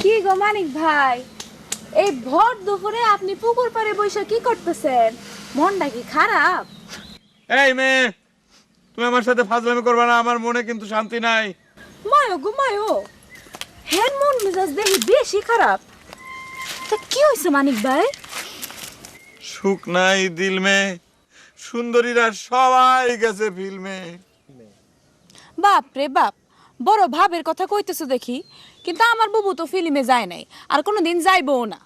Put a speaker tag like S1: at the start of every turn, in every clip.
S1: কি গো মানিক ভাই, এই ভর দুপুরে আপনি পুকুর পাড়ে বসে কি করতেছেন? মনটা কি খারাপ?
S2: এই মেয়ে, তুমি আমার সাথে ফাজলামি করবে না, আমার মনে কিন্তু শান্তি নাই।
S1: মায়ো গো মায়ো, হেন মন মেজাজ দেখি বেশি খারাপ। তা কি হয়েছে মানিক ভাই?
S2: সুখ নাই দিল মে, সুন্দরীরা সবাই গেছে ফিল্মে।
S1: বাপ রে বাপ, বড় ভাবের কথা কইতেছো দেখি, কিন্তু আমার বুবু তো ফিল্মে যায় নাই, আর কোনোদিন যাইবও না।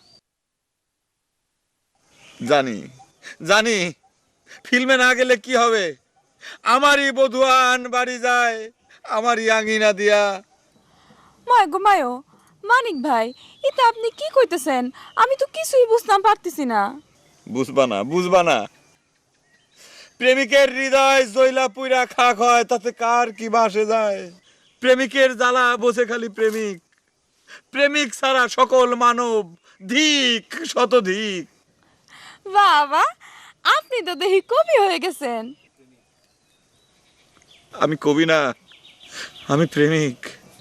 S2: জানি জানি, ফিল্মে না গেলে কি হবে? আমারই বধুয়ান বাড়ি যায়, আমারই আঙিনা দিয়া।
S1: মায় গো মায়ো, মানিক ভাই এটা আপনি কি কইতেছেন? আমি তো কিছুই বুঝতাম পারতেছি না।
S2: বুঝবা না, প্রেমিকের হৃদয় জয়লা পুইরা খাক হয়, তাতে কার কি বাসে যায়? প্রেমিকের জ্বালা বসে খালি প্রেমিক, প্রেমিক ছাড়া সকল মানব ধিক শতধিক।
S1: বাবা, আপনি তো দেখি কবি হয়ে গেছেন।
S2: আমি কবি না, আমি প্রেমিক।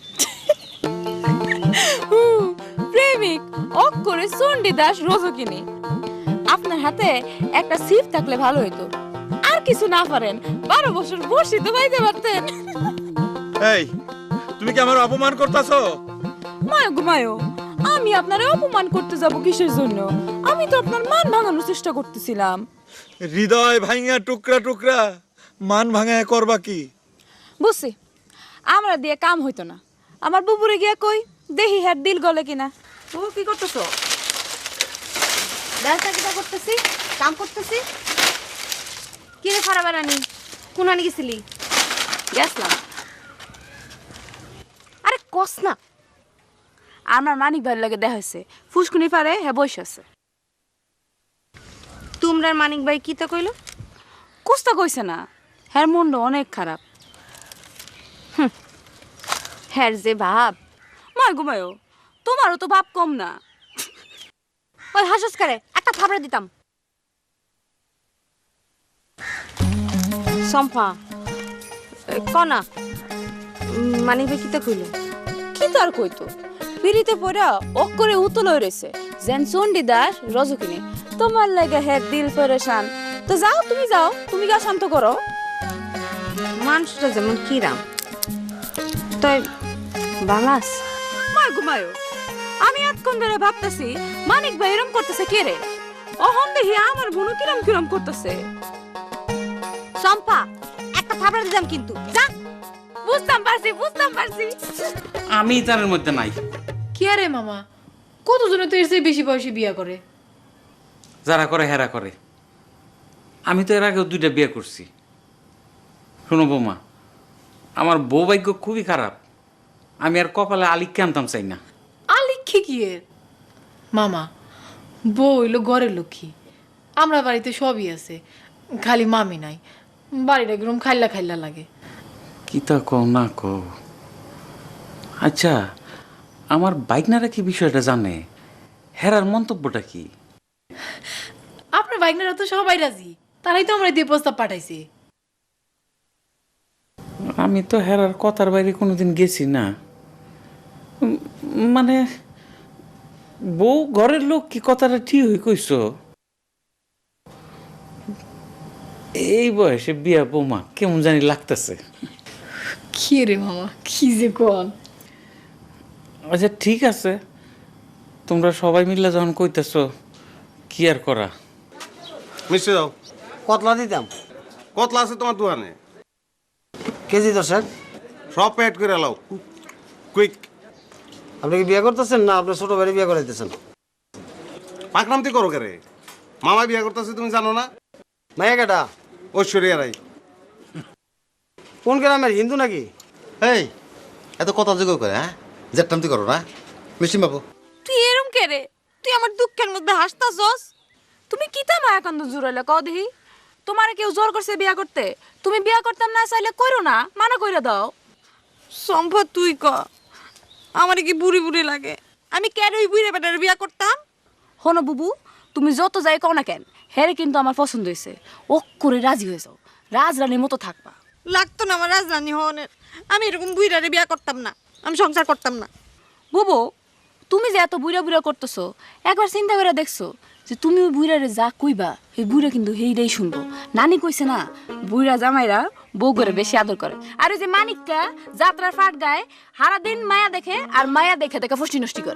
S1: প্রেমিক অক্ষরে চণ্ডীদাস রজকিনী। আপনার হাতে একটা সিপ থাকলে ভালো হতো। আর কিছু না পারেন, 12 বছর বসি তো পাইতে পারতেন।
S2: এই, তুমি কি আমার অপমান করতেছো?
S1: মায়ো গো মায়ো, আমি আপনারে অপমান করতে যাব কিসের জন্য? আমি তো আপনার মান ভাঙানোর চেষ্টা করতেছিলাম।
S2: হৃদয় ভাঙা টুকরা টুকরা, মান ভাঙা করবা কি?
S1: বুঝছি, আমরা দিয়ে কাম হইতো না। আমার বুবুরে গিয়া কই দেহি হ্যাঁ দিল গলে কিনা। ও কি করতেছো?
S3: ব্যবসা কিটা করতেছি, কাম করতেছি। কি রে খারাপ রানি, কোন আনি গেছিলি?
S1: গেছলাম।
S3: আরে কস না।
S1: আমার মানিক ভাইয়ের লাগে দেখা হয়েছে, ফুসকুনি পারে হ্যাঁ বসে আছে।
S3: তোমরা মানিক ভাই কি তা কইলো?
S1: কুস্তা কইছে না, হ্যাঁ মন্ড অনেক খারাপ।
S3: হ্যাঁ যে ভাব।
S1: মায় ঘুমায়ো, তোমারও তো বাপ কম না।
S3: ওই হাসস করে একটা থাবড়া দিতাম। সম্পা কনা মানিক ভাই কি তা কইলো?
S1: কি তার কইতো, পিড়িতে পড়া অক্ষরে উতল রয়েছে যেন চণ্ডীদাস রজকিনী। তোমার লাগে হ্যাঁ দিল পরেশান। তো যাও, তুমি যাও, তুমি গা শান্ত করো।
S3: মানুষটা যেমন কিরাম তাই বালাস।
S1: মায় ঘুমায়ো, আমি এতক্ষণ ধরে ভাবতেছি মানিক ভাই এরম করতেছে কে রে? অহন দেখি আমার বোনও কিরম কিরম করতেছে।
S3: সম্পা একটা থাবড়া দিতাম কিন্তু যা।
S1: বুঝতাম পারছি।
S4: আমি তার মধ্যে নাই।
S5: কি আরে মামা, কতজনে তো এর চেয়ে বেশি বয়সে বিয়া করে।
S4: যারা করে হেরা করে। আমি তো এর আগেও 2টা বিয়ে করছি। শোনো বৌমা, আমার বউ ভাগ্য খুবই খারাপ। আমি আর কপালে আলিককে আনতাম চাই না।
S5: আলিক্ষে কি এর? মামা, বউ হইলো ঘরের লক্ষ্মী। আমরা বাড়িতে সবই আছে, খালি মামি নাই। বাড়িটা একদম খাইলা খাইলা লাগে।
S4: কি তা কও না কও। আচ্ছা, আমার বাইকনারা কি বিষয়টা জানে? হেরার মন্তব্যটা কি?
S5: আপনার বাইকনারা তো সবাই রাজি, তারাই তো আমরা দিয়ে প্রস্তাব পাঠাইছি।
S4: আমি তো হেরার কথার বাইরে কোনোদিন গেছি না। মানে বউ ঘরের লোক কি কথাটা ঠিক হয়ে কইছ? এই বয়সে বিয়া বৌমা কেমন জানি লাগতেছে।
S5: কি রে মামা, কি যে কোন।
S4: আচ্ছা ঠিক আছে, তোমরা সবাই মিলে যখন কইতেছ কি আর করা।
S6: মিষ্টি দাও।
S7: কতলা দিতাম?
S6: কতলা আছে তোমার দোকানে?
S7: কেজি 10।
S6: সব প্যাড করে লাও, কুইক।
S7: আপনি কি বিয়ে করতেছেন না আপনার ছোট ভাই বিয়ে করাইতেছেন?
S6: পাকনামতি করো কে রে? মামা বিয়ে করতেছে তুমি জানো না?
S7: মাইয়া কেটা?
S6: ঐশ্বরিয়া রাই।
S7: কোন গ্রামের, হিন্দু নাকি?
S8: এই এত কথা যোগ করে, হ্যাঁ জেটটামতি করো না মিষ্টি বাবু।
S1: তুই এরম কে রে? তুই আমার দুঃখের মধ্যে হাসতাছস। তুমি কি তা মায়া কান্দ জুড়াইলে কও দেখি? তোমারে কেউ জোর করছে বিয়া করতে? তুমি বিয়া করতাম না চাইলে করো না, মানা কইরা দাও।
S3: সম্পদ তুই ক, আমার কি বুড়ি বুড়ি লাগে? আমি কেন ওই বুড়ি বেটার বিয়া করতাম?
S1: হনো বুবু, তুমি যত যাই কও না কেন, হেরে কিন্তু আমার পছন্দ হয়েছে। ও করে রাজি হয়ে যাও, রাজরানীর মতো থাকবা।
S3: লাগতো না আমার রাজরানী হওয়ানের। আমি এরকম বুড়ারে বিয়া করতাম না, আমি সংসার করতাম না।
S1: বুবু, তুমি যে এত বুড়া বুড়া করতেছো একবার চিন্তা করে দেখছো যে তুমি ওই বুড়ারে যা কইবা এই বুড়া কিন্তু হেইটাই শুনবো। নানি কইছে না বুড়া জামাইরা বউ করে বেশি আদর করে। আর ওই যে মানিকটা যাত্রার ফাট গায়, সারাদিন মায়া দেখে আর মায়া দেখে দেখে ফষ্টি নষ্টি করে।